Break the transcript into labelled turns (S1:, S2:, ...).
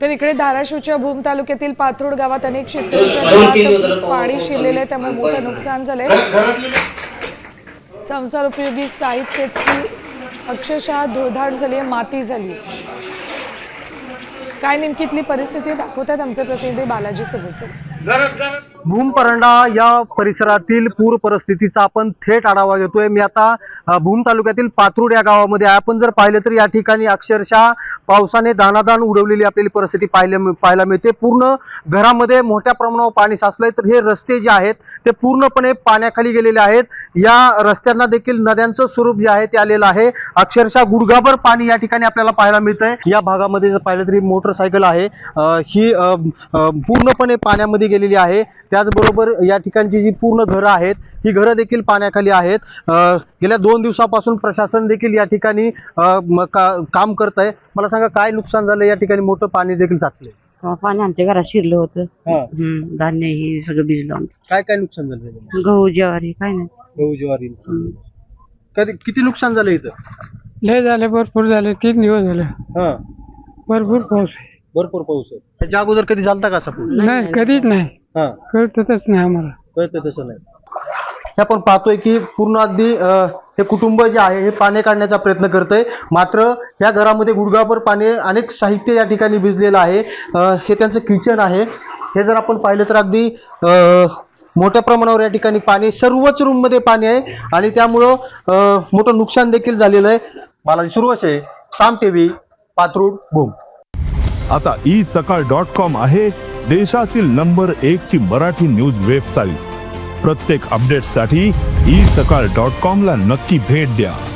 S1: तर इकडे धाराशिवच्या भूम तालुक्यातील पाथरुड गावात अनेक शेतकऱ्यांच्या घरात पाणी शिरलेले, त्यामुळे मोठं नुकसान झालंय। संसार उपयोगी साहित्याची अक्षरशः धुळधाड झाली, माती झाली। काय नेमकीतली परिस्थिती दाखवतात आमचे प्रतिनिधी बालाजी सुरवसे।
S2: भूम परंडा या परिसरातील पूर परिस्थितीचा आपण थेट आढावा घेतोय। मी आता भूम तालुक्यातील पाथरुड या गावामध्ये आहे। आपण जर पाहिलं तर या ठिकाणी अक्षरशः पावसाने दाणादाण उडवलेली आपल्याला परिस्थिती पाहायला मिळते। पूर्ण घरामध्ये मोठ्या प्रमाणावर पाणी साचलंय, तर हे रस्ते जे आहेत ते पूर्णपणे पाण्याखाली गेलेले आहेत। या रस्त्यांना देखील नद्यांचं स्वरूप जे आहे ते आलेलं आहे। अक्षरशः गुडघाभर पाणी या ठिकाणी आपल्याला पाहायला मिळतंय। या भागामध्ये जर पाहिलं तरी मोटरसायकल आहे ही पूर्णपणे पाण्यामध्ये गेलेली आहे। त्याचबरोबर या ठिकाणची जी पूर्ण घरं आहेत ही घरं देखील पाण्याखाली आहेत। गेल्या 2 दिवसापासून प्रशासन देखील या ठिकाणी काम करत आहे। मला सांगा काय नुकसान झालं? या ठिकाणी मोठं पाणी देखील साचले।
S3: पाणी आमच्या घरात शिरलं होतं। धान्य ही सगळं भिजलं आमचं।
S2: काय काय नुकसान झालं?
S3: गहू ज्वारी काय नाही।
S2: गहू ज्वारी किती नुकसान झालं इथं?
S4: लय झाले, भरपूर झाले, 3 दिवस झाले। भरपूर पाऊस आहे।
S2: भरपूर पाऊस आहे। त्याच्या अगोदर कधी झालता का असा पाऊस?
S4: नाही, कधीच नाही, कळतच नाही आम्हाला।
S2: कळतं तसं नाही। हे आपण पाहतोय की पूर्ण अगदी हे कुटुंब जे आहे हे पाणी काढण्याचा प्रयत्न करतंय, मात्र या घरामध्ये गुडघाभर पाणी, अनेक साहित्य या ठिकाणी भिजलेलं आहे। हे त्यांचं किचन आहे। हे जर आपण पाहिलं तर अगदी मोठ्या प्रमाणावर या ठिकाणी पाणी, सर्वच रूम मध्ये पाणी आहे आणि त्यामुळं मोठं नुकसान देखील झालेलं आहे। बालाजी सुरवसे, साम टीव्ही, पाथरुड, भूम।
S5: आता isakal.com आहे देशातील नंबर 1 ची मराठी न्यूज वेबसाईट। प्रत्येक अपडेटसाठी isakal.com ला नक्की भेट द्या।